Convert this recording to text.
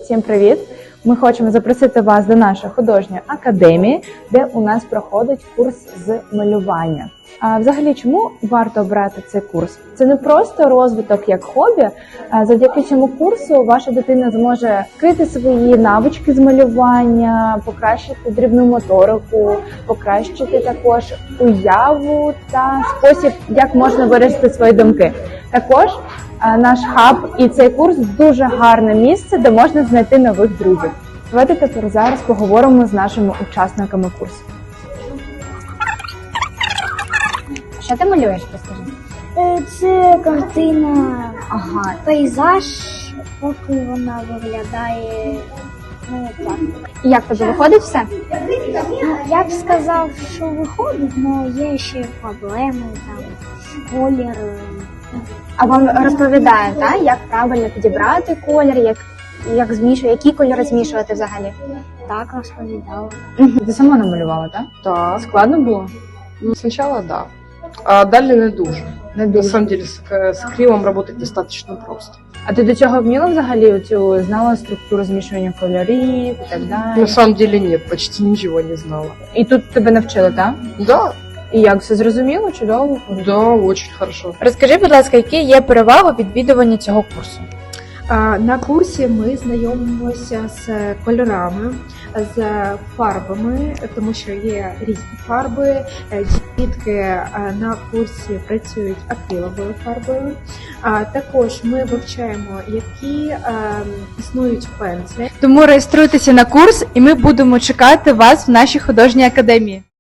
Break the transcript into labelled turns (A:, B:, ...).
A: Всім привіт! Ми хочемо запросити вас до нашої художньої академії, де у нас проходить курс з малювання. А взагалі, чому варто обрати цей курс? Це не просто розвиток як хобі. Завдяки цьому курсу ваша дитина зможе вкрити свої навички з малювання, покращити дрібну моторику, покращити також уяву та спосіб, як можна виразити свої думки. Також наш хаб і цей курс дуже гарне місце, де можна знайти нових друзів. Давайте тепер зараз поговоримо з нашими учасниками курсу. Що ти малюєш, розкажи?
B: Це картина,
A: Ага.
B: пейзаж, поки вона виглядає, так.
A: І як тобі виходить все?
B: Я б сказав, що виходить, але є ще проблеми, там, колір.
A: А вам розповідає, так, як правильно підібрати колір, як змішувати, які кольори змішувати взагалі?
B: Так розповідала.
A: Ти сама намалювала, так?
C: Так.
A: Складно було?
C: Ну, сначала да. А далі не дуже. На самом деле с акрилом работать достаточно просто.
A: А ти до цього вміла взагалі цю знала структуру змішування кольорів і так далі?
C: На самом деле нет, почти ничего не знала.
A: І тут тебе навчили, так?
C: Да,
A: І як, все зрозуміло? Чудово?
C: да, очень хорошо.
A: Розкажи, будь ласка, які є переваги відвідування цього курсу?
D: На курсі ми знайомимося з кольорами, з фарбами, тому що є різні фарби. Дітки на курсі працюють акриловою фарбою. Також ми вивчаємо, які існують пензлі.
A: Тому реєструйтеся на курс, і ми будемо чекати вас в нашій художній академії.